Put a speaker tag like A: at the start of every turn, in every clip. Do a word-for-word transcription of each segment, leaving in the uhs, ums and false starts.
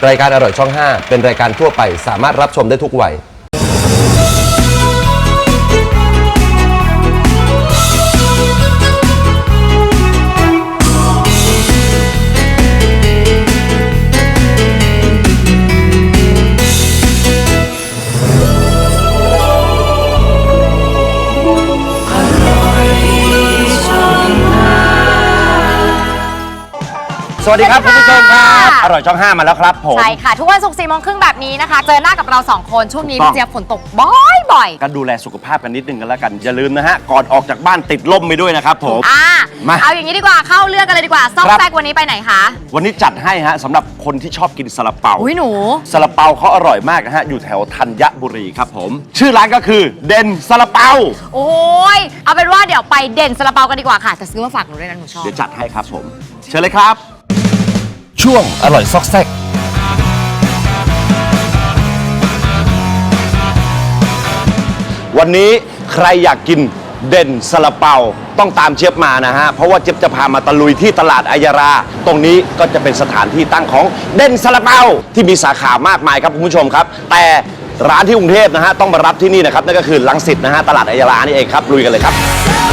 A: รายการอร่อยช่องห้าเป็นรายการทั่วไปสามารถรับชมได้ทุกวัยสวัสดีครับคุณผู้ชมครับอร่อยช่องห้ามาแล้วครับผม
B: ใช่ค่ะทุกวันศุกร์สี่โมงครึ่งแบบนี้นะคะเจอหน้ากับเราสองคนช่วงนี้พี่เจี๊ยบฝนตกบ่อยๆ
A: ก็ดูแลสุขภาพกันนิดนึงกันแล้วกันอย่าลืมนะฮะก่อนออกจากบ้านติดล่มไปด้วยนะครับผม
B: อ่า
A: มา
B: เอาอย่างนี้ดีกว่าเข้าเรื่องกันเลยดีกว่าซอกแซกวันนี้ไปไหนคะ
A: วันนี้จัดให้ฮะสำหรับคนที่ชอบกินซาลาเปา
B: อุ้ยหนู
A: ซาลาเปาเขาอร่อยมากนะฮะอยู่แถวธัญบุรีครับผมชื่อร้านก็คือเด่นซาลาเปา
B: โอ้ยเอาเป็นว่าเดี๋ยวไปเด่นซาลาเปากันดีกว่าค่ะแต่ซื้อมาฝากหนูด้วยนะหนูชอบ
A: เดี๋ยวจัดให้ครับผมเชิญเลยครับช่วงอร่อยซอกแซกวันนี้ใครอยากกินเด่นซาลาเปาต้องตามเจี๊ยบมานะฮะเพราะว่าเจี๊ยบจะพามาตะลุยที่ตลาดอัยราตรงนี้ก็จะเป็นสถานที่ตั้งของเด่นซาลาเปาที่มีสาขามากมายครับคุณผู้ชมครับแต่ร้านที่กรุงเทพนะฮะต้องมารับที่นี่นะครับนั่นก็คือรังสิตนะฮะตลาดอัยรานี่เองครับลุยกันเลยครับ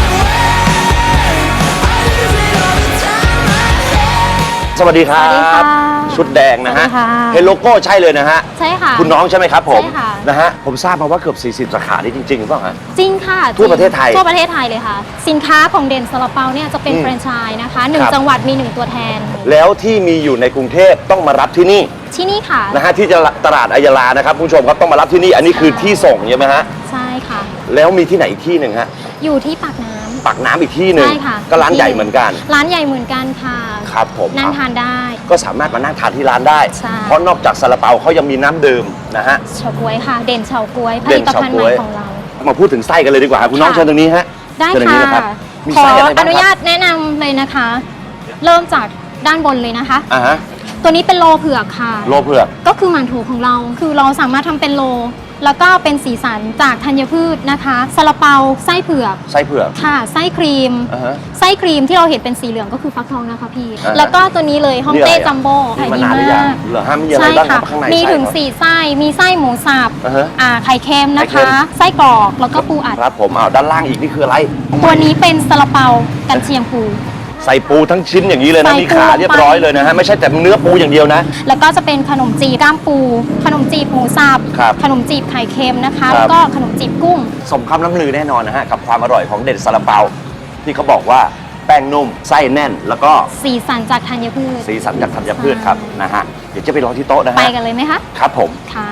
A: สวัสดีครับชุดแดงนะฮะเห็นโลโก้ใช่เลยนะฮะ
C: ใช่ค่ะ
A: คุณน้องใช่ไหมครับผม
C: ใช่ค่ะ
A: นะฮะผมทราบมาว่าเกือบสี่สิบสาขานี่จริงๆหรือเปล่าฮะ
C: จริงค่ะ
A: ทั่วประเทศไทย
C: ทั่วประเทศไทยเลยค่ะสินค้าของเด่นซาลาเปาเนี่ยจะเป็นแฟรนไชส์นะคะหนึ่งจังหวัดมีหนึ่งตัวแทน
A: แล้วที่มีอยู่ในกรุงเทพต้องมารับที่นี่
C: ที่นี่ค่ะ
A: นะฮะที่ตลาดอัยรานะครับคุณผู้ชมครับต้องมารับที่นี่อันนี้คือที่ส่งใช่ไหมฮะ
C: ใช่ค่ะ
A: แล้วมีที่ไหนอีกที่หนึ่งฮะ
C: อยู่ที่ปากน้ำ
A: ปากน้ำอีกที่หนึ่ง
C: ใช่ค่ะ
A: ก็ร้านใหญ่เหมือนกัน
C: ร้านใหญ่เหมือนกันค่ะ
A: ครับผม
C: นั่งทานได้
A: ก็สามารถมานั่งทานที่ร้านได้
C: ใช่
A: เพราะนอกจากซาลาเปาเขายังมีน้ำดื่มนะฮะ
C: เฉาก๊วยค่ะเด่นเฉาก๊วยผลิตภัณฑ์ใหม่ของเรา
A: มาพูดถึงไส้กันเลยดีกว่าคุณน้องเชิญตรงนี้ฮะ
C: ได้ค่ะขออนุญาตแนะนำเลยนะคะเริ่มจากด้านบนเลยนะคะ
A: อ่าฮะ
C: ตัวนี้เป็นโลเผือกค่ะ
A: โลเผือก
C: ก็คือหมั่นโถของเราคือเราสามารถทำเป็นโลแล้วก็เป็นสีสันจากธัญพืชนะคะซาลาเปาไส้เผือก
A: ไส้เผือก
C: ค่ะไส้ครีม
A: uh-huh.
C: ไส้ครีมที่เราเห็นเป็นสีเหลืองก็คือฟักทองนะคะพี่ uh-huh. แล้วก็ตัวนี้เลยฮ่องเต้จัมโบ้
A: ขายดีมากเหรอฮะมีอะไรบ้างข้างใน
C: มีถึงสี่ไส้มีไส้หมูสับ
A: uh-huh.
C: อ่าไข่เค็มนะคะไส้กรอกแล้วก็ปูอัด
A: ครับผมเอาด้านล่างอีกนี่คืออะไร
C: ตัวนี้เป็นซาลาเปากันเชียงปู
A: ใส่ปูทั้งชิ้นอย่างนี้เลยนะมีขาเรียบร้อยเลยนะฮะไม่ใช่แต่เนื้อปูอย่างเดียวนะ
C: แล้วก็จะเป็นขนมจีบก้ามปูขนมจีบหมูสับขนมจีบไข่เค็มนะคะแล้วก็ขนมจีบกุ้ง
A: สมคำล่ำลือแน่นอนนะฮะกับความอร่อยของเด่นซาลาเปาที่เขาบอกว่าแป้งนุ่มไส้แน่นแล้วก็
C: สีสันจากธัญพืช
A: สีสันจากธัญพืชครับนะฮะเดี๋ยวจะไปรอที่โต๊ะนะฮะ
C: ไปกันเลยไหมคะ
A: ครับผม
C: ค่ะ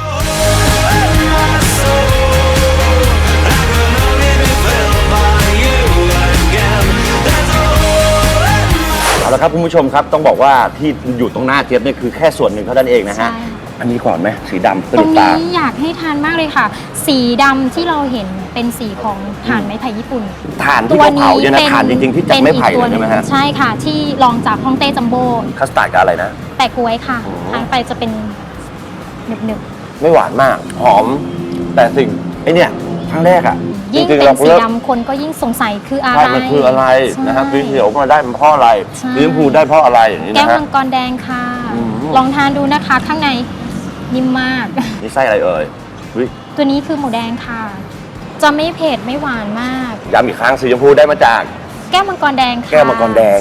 A: เอาละครับคุณผู้ชมครับต้องบอกว่าที่อยู่ตรงหน้าเจี๊ยบเนี่ยคือแค่ส่วนหนึ่งเท่านั้นเองนะฮะอันนี้ก่อนไหมสีดำ
C: ตรงนี้อยากให้ทานมากเลยค่ะสีดำที่เราเห็นเป็นสีของถ่านไม้ไผ่ญี่ปุ่น
A: ถ่านที่เขาเผาเนี่ยนะถ่านจริงๆที่จากไม้ไผ่ใช่ไหมฮะ
C: ใช่ค่ะที่ลองจากฮ่องเต้จัมโบ้
A: คัสตาร์ดกับอะไรนะ
C: แปะกล้วยค่ะทานไปจะเป็นหนึบ
A: ๆไม่หวานมากหอมแต่สิ่งไอเนี่ยครั้งแรกอ่ะ
C: ยิ่งเป็นสีดำคนก็ยิ่งสงสัยคืออะไร
A: มันคืออะไรนะฮะสีเขียวมาได้มันเพราะอะไรสีชมพูได้เพราะอะไรอย่างนี้นะฮะ
C: แก้วมังกรแดงค่ะลองทานดูนะคะข้างในนิ่มมาก
A: นี่ไส้อะไรเอ่ย
C: ตัวนี้คือหมูแดงค่ะจะไม่เผ็ดไม่หวานมาก
A: ย้ำอีกครั้งสีชมพูได้มาจาก
C: แก้วมังกรแดงค่ะ
A: แก้วมังกรแดง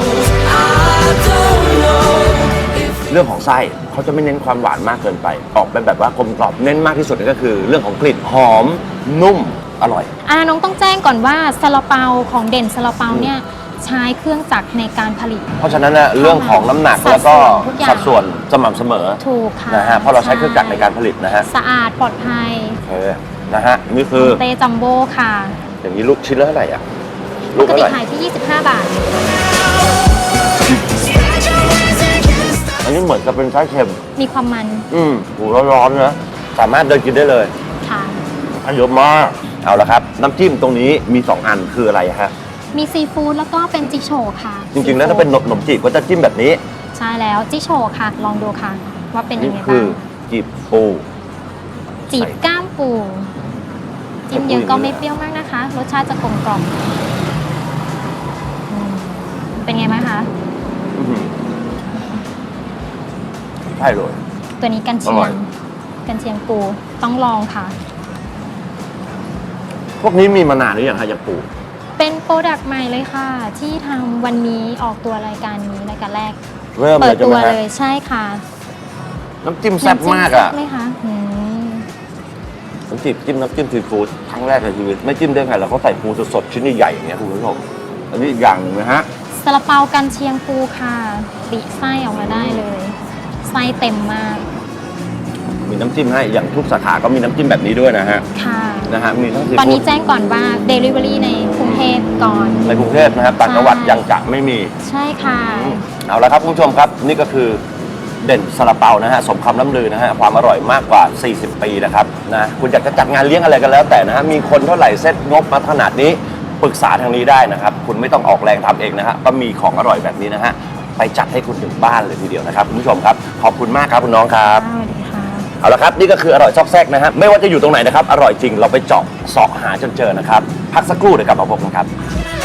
A: เรื่องของไส้เขาจะไม่เน้นความหวานมากเกินไปออกเป็นแบบว่ากลมกล่อมเน้นมากที่สุดก็คือเรื่องของกลิ่นหอมนุ่มอร่อย
C: อ่าน้องต้องแจ้งก่อนว่าซาลาเปาของเด่นซาลาเปาเนี่ยใช้เครื่องจักรในการผลิต
A: เพราะฉะนั้นนะเรื่องของน้ำหนักแล้วก็สัดส่วนสม่ำเสมอ
C: ถูกค่ะ
A: นะฮะเพราะเราใช้เครื่องจักรในการผลิตนะฮะ
C: สะอาดปลอดภัย
A: โอเคนะฮะนี่คือ
C: เตจัมโบ้ค่ะ
A: อย่างนี้ลูกชิ้นละเท่าไหร่อ่ะ
C: ลูกเท่าไหร่ขายที่ยี่สิบห้าบาท
A: อันนี้เหมือนกับเป็นไส้เค็ม
C: มีความมัน
A: อืมหูร้อนๆนะสามารถเดินกินได้เลย
C: ค่ะ
A: อันเยอะมากเอาละครับน้ำจิ้มตรงนี้มีสองอันคืออะไรฮะ
C: มีซีฟู้ดแล้วก็เป็นจิโฉค่ะ
A: จริงๆแล้วถ้าเป็นขนมจีบก็จะจิ้มแบบนี้
C: ใช่แล้วจิโฉค่ะลองดูค่ะว่าเป็นยังไงบ้าง
A: นี่คือจีบปู
C: จีบก้ามปูจิ้มเยอะก็ไม่เปรี้ยวมากนะคะรสชาติจะกลมกล่อมเป็นไงไหมคะ
A: ใช่เลย
C: ตัวนี้กันเชี
A: อย ร่
C: ง
A: อย
C: กันเชียงปูต้องลองค่ะ
A: พวกนี้มีมานานหรือยังฮะอย่างปู
C: เป็นโปรดักต์ใหม่เลยค่ะ ที่ทำวันนี้ออกตัวรายการนี้รายการแรก
A: เริ่ม
C: เปิ
A: เลย
C: ด
A: ใช่
C: ตั
A: ไห
C: ว
A: มฮะ
C: เลยใช่ค่ะ
A: น้ำจิ้มแซ่บมาก
C: น้ำจิ้
A: อ่ะ
C: แซ่บไหมคะอืม
A: น้ำจิ้มจิ้มน้ำจิ้มซีฟู้ดครั้งแรกในชีวิตไม่จิ้มได้ไงแล้วเขาใส่ปูสดๆชิ้นใหญ่ๆอย่างเงี้ยคุณผู้ชมอันนี้อีกอย่างหนึ่งนะฮะ
C: ซาลาเปากันเชียงปูค่ะปิไส้ออกมาได้เลยไส้เต็มมาก
A: มีน้ำจิ้มให้อย่างทุกสาขาก็มีน้ำจิ้มแบบนี้ด้วยนะฮะ
C: ค่ะ
A: นะฮะมีทั้งซี
C: ตอน
A: ฟู้
C: นี้
A: ด
C: แจ้งก่อนว่า Delivery ในกรุงเทพก่อน
A: ในกรุงเทพนะครับต่างจังหวัดยังจะไม่มี
C: ใช่ค่ะ
A: เอาละครับคุณผู้ชมครับนี่ก็คือเด่นซาลาเปานะฮะสมคำล้ำลือนะฮะความอร่อยมากกว่า สี่สิบ ปีนะครับนะคุณอยากจะจัดงานเลี้ยงอะไรกันแล้วแต่นะฮะมีคนเท่าไหร่เซ็ตงบมาขนาดนี้ปรึกษาทางนี้ได้นะครับคุณไม่ต้องออกแรงทำเองนะฮะก็มีของอร่อยแบบนี้นะฮะไปจัดให้คุณถึงบ้านเลยทีเดียวนะครับคุณผู้ชมครับขอบคุณมากครับคุณน้องครับ
C: สวัสดีค่ะ
A: เอาละครับนี่ก็คืออร่อยซอกแซกนะฮะไม่ว่าจะอยู่ตรงไหนนะครับอร่อยจริงเราไปเจาะเสาะหาจนเจอนะครับพักสักครู่เดี๋ยวกลับมาพบกันครับ